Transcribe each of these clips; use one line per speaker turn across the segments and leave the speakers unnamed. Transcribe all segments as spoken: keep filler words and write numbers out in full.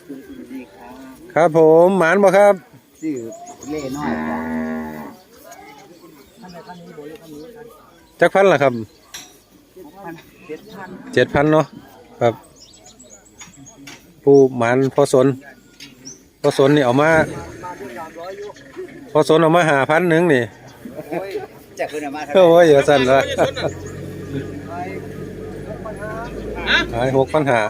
ครับผมหมานบ่ครับ
ซื้อเล่น้อย
จักพันล่ะครับเจ็ดพันเนาะครับผู้หมานพอสนพอสนนี่เอามาพอสนเอามาหาพันหนึ่งนี่
จะขึ้นมา
โอ้ยเยอะสั่นละหายหกพันหา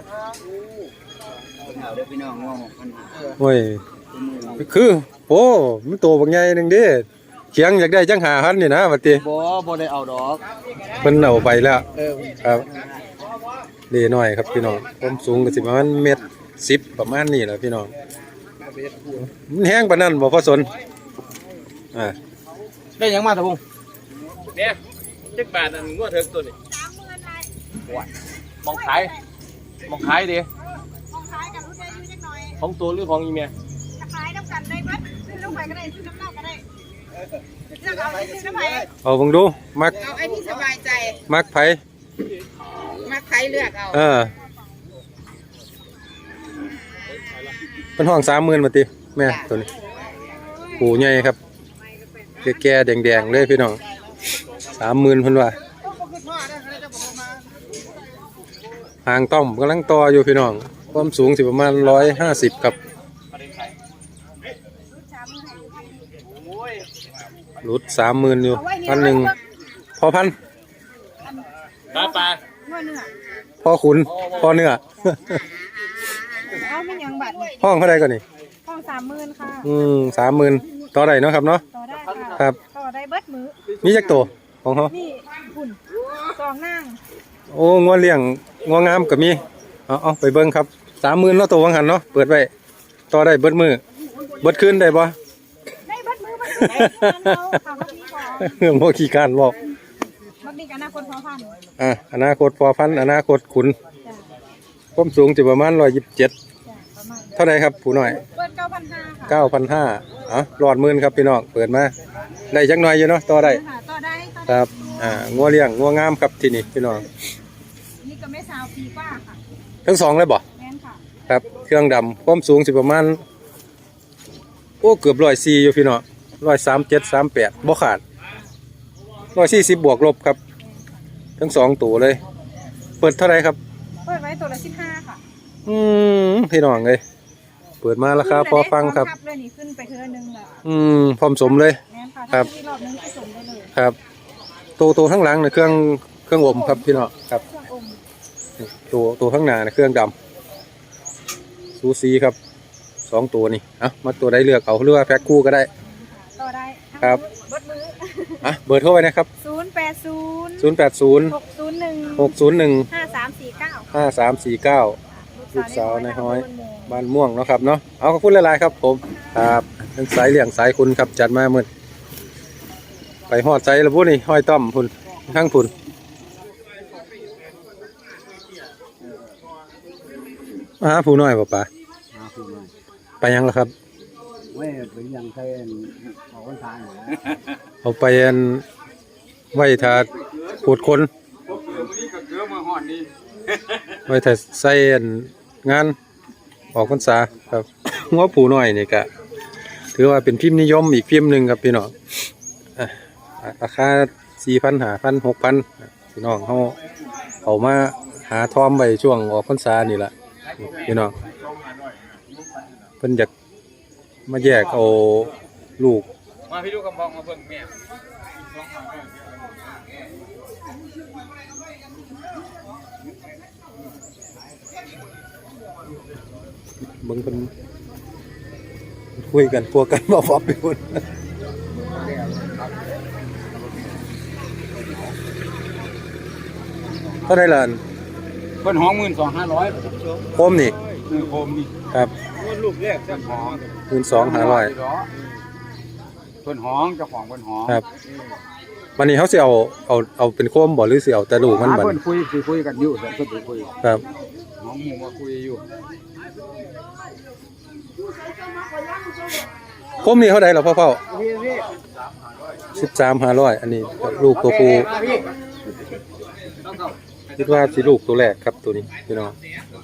โอ้ยคือโอ้มันตัวบางใหญ่หนึ่งดิเขียงอยากได้จังหาพันนี่นะบัดนี้
บ่บ่ได้เอาดอก
เพิ่นเอาไปแล้วครับดีหน่อยครับพี่น้องความสูงก็สิประมาณเมตรสิบประมาณนี้แหละพี่น้องมันแห้งปานนั้นบ่พอสนอ่า
ได้ยังมาตะพง
เนี่ยเจ็ดบาทอันงวดเถิงตัวนี้มองขายมองขายดิ
มองขายกับรุ่นใหญ่อยู่จักหน่อย
ของตัวหรือของอีเมีย
จะขายน้ำกันได้เบิดซื้อน้ำไผ่ก็ได้ซื้อน้ำเน่าก็ได้เลือกเอาซื้อน้ำไผ่
เอาเบิ่งดูมัก
เอาไอ้ที่สบายใจ
มักไผ
มักไผ่เลือกเอา
เออเป็นห้องสามหมื่นมาติแม่ตัวนี้ปูใหญ่ครับแก่ๆแดงๆเลยพี่น้องสามหมื่นเพิ่นว่าหางต้อมกำลังต่ออยู่พี่น้องความสูงสิประมาณร้อยห้าสิบครับรุดสามหมื่นอยู่พันหนึ่งพอพัน
ปลาปลา
พอขุนพอเนื้อ
เอาไม่ยังบัตร
ห้องเท่าไรก่อนนี่
ห้องสามหมื่นค่ะ
อืมสามหมื่นต่อได้เนาะครับเนาะ
ต่อได้ค่ะ
ครับ
ต่อได้เบิดมือ
มีจักตัวของเขา
นี่หุ่นสองนาง
โอ้งัวเลี้ยงงัวงามกับมีเอาเอาไปเบิ้งครับสามหมื่นเนาะตัววังหันเนาะเปิดไว้ต่อได้เบิดมือเบิดคืนได้บ่
ได้เบิดมือเบิดมือเอาค่ะเมื่อกี้ก่อน
โมขี้การบอก
เมื่อกี้อนาคตพอพัน
อ่ะอนาคตพอพันอนาคตขุนความสูงจะประมาณร้อยยี่สิบเจ็ดเท่าไหร่ครับผู้หน่อย
เปิดเก้าพันห้าค่ะ
เก้าพันห้าอ่ะหลอดหมื่นครับพี่น้องเปิดมาได้จักหน่อยอยู่เนาะต่อได้
ต่อได้
ครับอ่างัวเลี้ยงงัวงามครับที่นี่พี่น้อง
นี่ก็ไม่สาวปีกว่าค่ะ
ทั้งสองเลยบ่
แม่นค่ะ
ครับเครื่องดำความสูงสิประมาณโอ้เกือบร้อยสี่อยู่พี่น้องร้อยสามเจ็ดสามแปดบ่ขาดร้อยสี่สิบบวกลบครับทั้งสองตัวเลยเปิดเท่าไรครับ
เปิดไว้ตัวละสิบห้าค่ะ
อืมพี่น้องเลยเปิดมาราคาพอฟังครับ
เลยนี่ขึ้นไปเท่านึงละ
อืมพร้อมสมเลย
ครับรอบนึงผสมได้เลย
ครับตัวตัวข้างหลังเนี่ยเครื่องเครื่องอมครับพี่น้องครับตัวตัวข้างหน้าเนี่ยเครื่องดำซูซีครับสองตัวนี่อ่ะมาตัวใดเลือกเอาหรือว่าแพ็คคู่ก็ได้
ต่อได้
ครับ
เบิดมือ
อ่ะเบอร์โทรไปนะครับ
ศูนย์แปดศูนย์
ศูนย์แปดศูนย์
หกศูนย์หนึ่ง
หกศูนย์หนึ่ง
ห้าสามสี่เก้า
ห้าสามสี่เก้าลูกสาวในห้อยบ้านม่วงเนาะครับเนาะเอาขอบคุณหลายๆครับผมครับเป็นสายเลี้ยงสายคุณครับจัดมาเมื่อไปหอดใจแล้วพวกนี้ห้อยต้อมพุ่นข้างพุ่นมาหาผู้น้อยป่ะป่ะไปยังแล้วครับ
ไม่เป็นยังใครเอาคนทาน
เอาไปอันไว้ถ้าขูดคนไว้ถ้าใส่งานออกพรรษาครับง้อผู้น้อยนี่กะถือว่าเป็นพิมพ์นิยมอีกพิมพ์หนึ่งครับพี่น้องราคาสี่พันหาพันหกพันพี่น้องเขาเขามาหาทอมไปช่วงออกพรรษานี่แหละพี่น้องเพิ่นอยากมาแยกเอาลูก
มาพี่ลูกกำบองมาเพิ่งแม่
เบิ่งเพิ่นคุยกันพวกกันบ่ฟอบอยู่เท่าไหร่ล่ะ
เพิ่นห้องหมื่นสองห้าร้อย
โคมนี่
โคมนี่
ครับ
ลูกแรกเพิ่นห้อง
หมื่นสองห้าร้อย
เพิ่นห้องเจ้าของเพิ่นห้อง
ครับวันนี้เขาสิเอาเอาเอาเป็นโคมบ่หรือสิเอาแต่ลูกมันบัด
เพิ่นคุยคุยกันอยู่เพิ่นคุย
ครับ
ห้องหมู่มาคุยอยู่
โคมนี่เท่าไหร่ล่ะพ่อเฒ่าสิบสามห้าร้อยอันนี้ลูกตัวผู้คิดว่าสิลูกตัวแรกครับตัวนี้พี่น้อง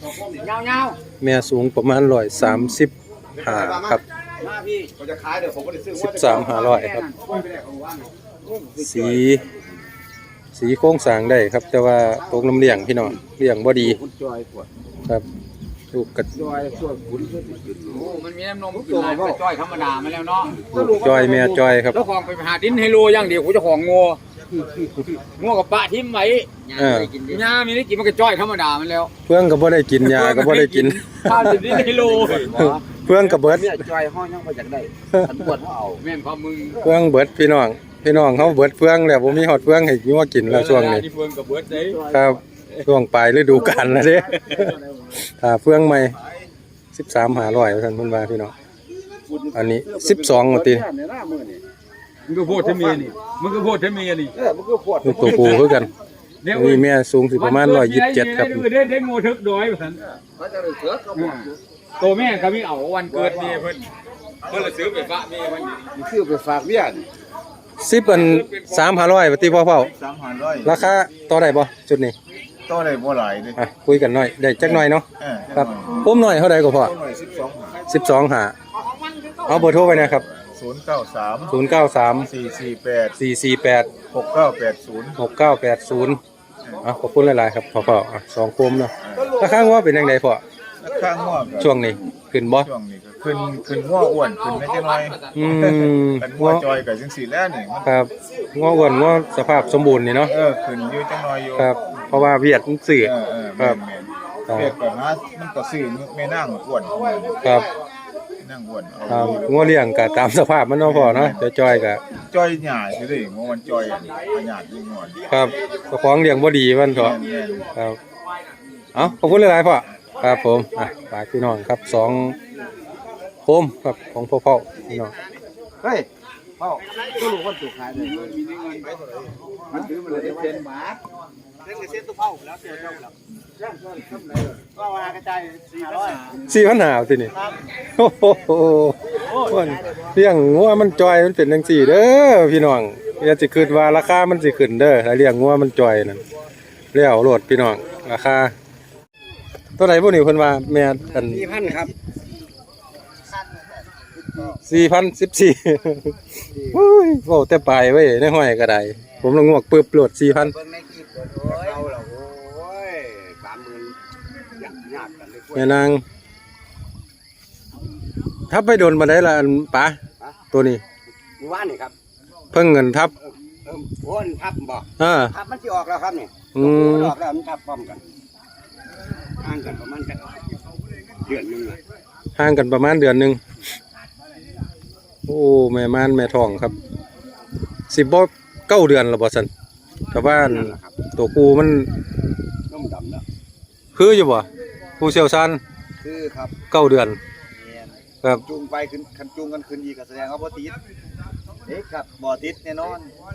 เงา
แม่สูงประมาณร้อยสามสิบห้าครับ
ๆมาพี่เขาจะขายเดี๋ยวผมก็ได้ซื้อ
สิบสามห้าร้อยครับ สี สีโค้งสร้างได้ครับ แต่ว่าตกน้ำเลี้ยงพี่น้องเลี้ยงบ่ดี
คุณจอยปวด
ครับลูกกระ
จอยช่วยคุณช่วยจุด
โอ้มันมีน้ำนมกินหลายไปจ้อยธรรมดามาแล้วเนาะ
ลูกจอยแม่จอยครับ
เจ้าของไปหาดินไฮโลอย่างเดียวกูเจ้าของงัวงัวกับปะทิ้มไว้
เออ
หญ้ามีได้กินมันก็จ้อยธรรมดามันแล้ว
เพื่องก็บ่ได้กินยาก็บ่ได้กิน
ข้าวดินไฮโล
เพื่องก็เบิด
เนี่ยจอยห้องยังไปจากได้ฉันปวดเขาเอา
แม่นพอมึง
เพื่องเบิดพี่น้องพี่น้องเขาเบิดเพื่องแล้วบ่มีฮอดเพื่องให้งัวกินแล้วช่วงนี้
เฟืองกับเบิร์ดเด้
ครับช่วงปลายฤดูกาลแล้วเด้ถ้าเพื่องใหม่สิบสามห้าร้อยท่านเพิ่นว่าพี่น้องอันนี้สิบสองว่าติ
มึงก็พูดให้เมียนี่มึงก็พูดให้เมียนี่
เออมันก็ปวด
ลูกตัวผู้คือกันอันนี้แม่สูงสิประมาณร้อยยี่สิบเจ็ดครับ
เด้ได้งูทึกดอยสัน
เขาจะเลยเสือเขาบอก
ตัวแม่ก็มีเอาวันเกิดเมียเพิ่นเพิ่นเลยซื้อไปฝากเมียเพิ่น
มันซื้อไปฝากเบี้ยน
สิบอันสามห้าร้อยว่าติพ่อเฝ้า
สามพันร้อย
ราคาต่อได้บ่จุดนี้
ต่อได้บ่หลายเลย
อ่ะคุยกันหน่อยได้จักหน่อยเนาะ
เออ
ครับผมหน่อยเท่าใดก็พอ
ต่อหน่อยสิบสอง
สิบสองหาเอาเบอร์โทรไปนะครับ
ศูนย์เก้าสาม
ศูนย์เก้าสาม
สี่สี่แปด
สี่สี่แปด
หกเก้าแปดศูนย์
หกเก้าแปดศูนย์อ่ะขอบคุณหลายๆครับพ่อพ่ออ่ะสองโคมเนาะราคางัวเป็นยังไงพ่อ
ข้างง่วง
ช่วงนี้ขึ้นบ่
ช่วงนี้ก็ขึ้นขึ้นง่วอ้วนขึ้นไม่ใช่น้อย
อืม
กัน
งั
ง่
ว
วจอยกับจังสีแล้วนี่มัน
ครับงัวอ้วนงัวสภาพสมบูรณ์นี่เนาะ
เออขึ้นอยู่จังน้อยอยู่
ครับ เพราะว่าเวียดมันสื่อ
เออเออ
ครั
แม่
บ
นแม่นเปียกก่อนนะมันก็ซื้อไม่นั่งอ้วน
ครับ
ไม่นั่งอ้วนเอา
ครับงัวเลี้ยงก็ตามสภาพมันเนาะพ่อเนาะจะจอยก็
จอยหยาสิเด้ง่วมันจอยอันหยาดยิ่งง่วน
ครับเจ้าของเลี้ยงบ่ดีมันเถ
แม่
อะ
นแม่น
ครับเอาขอบคุณหลายๆพ่อครับผมอ่ะฝากพี่น้องครับสองโคมครับของพ่อพ่อพี่น้อง
เฮ้ยพ่อก็รู้ว่าถูกขายเลยมันถือมันเลยเซ็นบาท
เล่นเส้นตัวเผาแล้วเสียเจ้าแล้ว
ก็ว่ากระจายสี่ร้อย
สี่พันหาวสินี่โอ้โหมันเลี้ยงงัวมันจอยมันเป็นจังสี่เด้อพี่น้องอย่าสิคิดว่าราคามันสิขึ้นเด้อถ้าเลี้ยงงัวมันจอยนั่นแล้วโลดพี่น้องราคาตัวไหนพวกนี้เพิ่นว่าแม่อัน
สี่พันครับ
สี่พันสิบสี่โอ้ยโอ้แต่ปลายไว้ในห้อยก็ได้ผมลงงวกปึ๊บโหลดสี่พัน
เบิ่งในคลิปโอ้ยเอาละโอ้ยสามหมื่นยากยากกันเลย
แม่นางทับไปโดนมาได้ละอันป๋าตัวนี้
มือว่านนี่ครับ
เพิ่งเงินทับ
เออโอนทับบอก
อ่า
ทับมันจะออกแล้วครับนี่
อืม
ออกแล้วมันทับพร้อมกันห่างกันประมาณกันเดือนหนึงเลย
ห่างกันประมาณเดือนหนึ่งโอ้แม่ม่านแม่ทองครับสิบบ่เก้าเดือนแล้วบ่สันแต่ว่า
นั่นแหละครับ
ตัวกูมัน
น้มดำแล้ว
คืออยู่บ่ผู้เชี่ยวชาญ
คือครับ
เก้าเดือนครับ
จูงไปขึ้นคันจูงกันขึ้นอีกก็แสดงว่าบ่ติดเด็กครับบ่ติดแน่นอน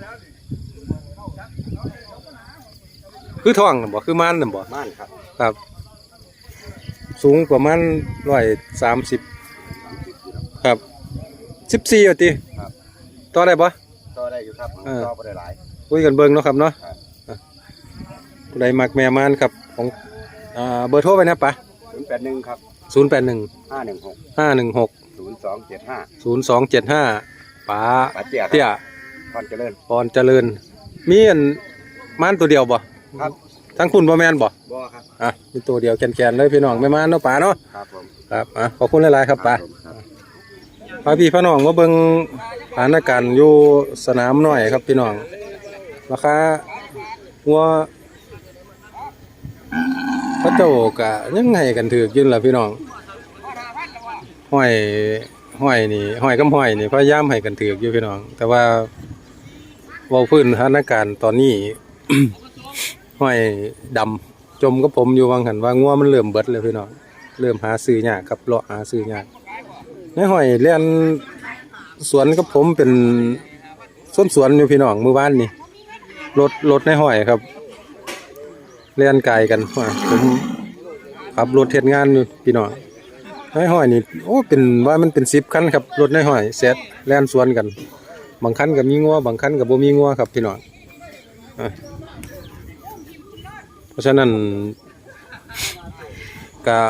คือท้องน่ะบ่คือม่านน่ะบ่
ม่านครับ
ครับ สูงประมาณร้อยสามสิบครับสิบสี่อ่ะติ
ครับ
ต่อได้บ่
ต่อได้อยู่ครับ
เออ
ต่อบ่ได้หลาย
คุยกันเบิ่งเนาะครับเนาะ
ครับ
อ่ะผู้ใดมักแม่ม่านครับของอ่าเบอร์โทรไปนะปะ
ศูนย์แปดหนึ่งครับ
ศูนย์แปดหนึ่ง
ห้าหนึ่งหก
ห้าหนึ่งหก
ศูนย์สองเจ็ดห้า
ศูนย์สองเจ็ดห้าป๋า
ปาเจียครับ
เตี้ย
พรเจริญ
พรเจริญ มีอันม่านตัวเดียวบ่
ครับ
ทั้งคุณบ่แม่นบ่
บ่ครับ
อ่ะมีตัวเดียวแกนๆเลยพี่น้องแม่ม่านเนาะป๋าเนาะ
ครับผม
ครับอ่ะขอบคุณหลายๆครับป๋า
ผมครับ
พาพี่พี่น้องมาเบิ่งสถานการณ์อยู่สนามหน่อยครับพี่น้องราคางัวพระเจ้ากะยังไงกันถือกอยืนล่ะพี่น้องห้อยห้อยนี่ห้อยกับห้อยนี่พยายามให้กันถือกอยู่พี่น้อง แต่ว่าเว้าพื้นสถานการณ์ตอนนี้ ห้อยดำจมกับผมอยู่วางหันว่างัวมันเริ่มเบิดเลยพี่น้องเริ่มหาซื้อยากครับเลาะหาซื้อยากในห้อยเลียนสวนกับผมเป็นส้นสวนอยู่พี่น้องมื้อวานนี่รถรถในห้อยครับเลียนไกลกันว่าผมขับรถเฮ็ดงานอยู่พี่น้องในห้อยนี่โอ้เป็นว่ามันเป็นสิบคันครับรถในห้อยเสร็จเลียนสวนกันบางคันก็มีงัวบางคันก็บ่มีงัวครับพี่น้องอ่ะเพราะฉะนั้นกก็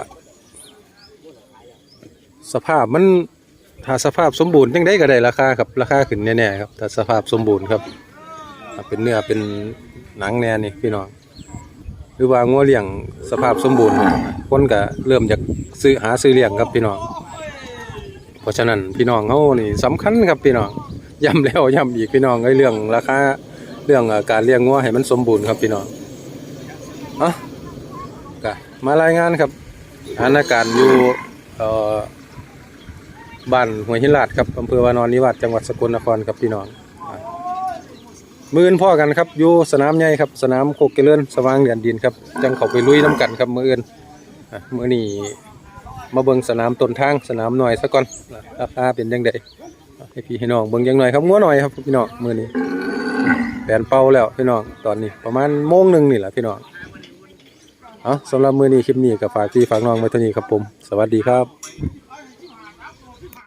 สภาพมันถ้าสภาพสมบูรณ์จังได้ก็ได้ราคาครับราคาขึ้นแน่ๆครับถ้าสภาพสมบูรณ์ครับถ้าเป็นเนื้อเป็นหนังแน่นี่พี่น้องหรือว่างัวเลี้ยงสภาพสมบูรณ์คนก็เริ่มจากซื้อหาซื้อเลี้ยงครับพี่น้องเพราะฉะนั้นพี่น้องเฮานี่สำคัญครับพี่น้องย้ำแล้วย้ำอีกพี่น้องไอ้เรื่องราคาเรื่องการเลี้ยงงัวให้มันสมบูรณ์ครับพี่น้องเอ่ะก็มารายงานครับสถานการณ์อยู่เอ่อบ้านห้วยหินลาดครับอำเภอวานอนนิวาสจังหวัดสกลนครครับพี่น้องมื้ออื่นพ่อกันครับอยู่สนามใหญ่ครับสนามโคกเจริญสว่างแดนดินครับจังเข้าไปลุยน้ำกันครับมื้ออื่นอ่ะมื้อนี้มาเบิ่งสนามต้นทางสนามหน่อยซะก่อนราคาเป็นจังไดให้พี่ให้น้องเบิ่งจังหน่อยครับงัวหน่อยครับพี่น้องมื้อนี้แปลนเป่าแล้วพี่น้องตอนนี้ประมาณโมงหนึ่งนี่แหละพี่น้องเอาสำหรับมื้อนี้คลิปนี้ก็ฝากพี่ฝากน้องไว้เท่านี้ครับผมสวัสดีครับ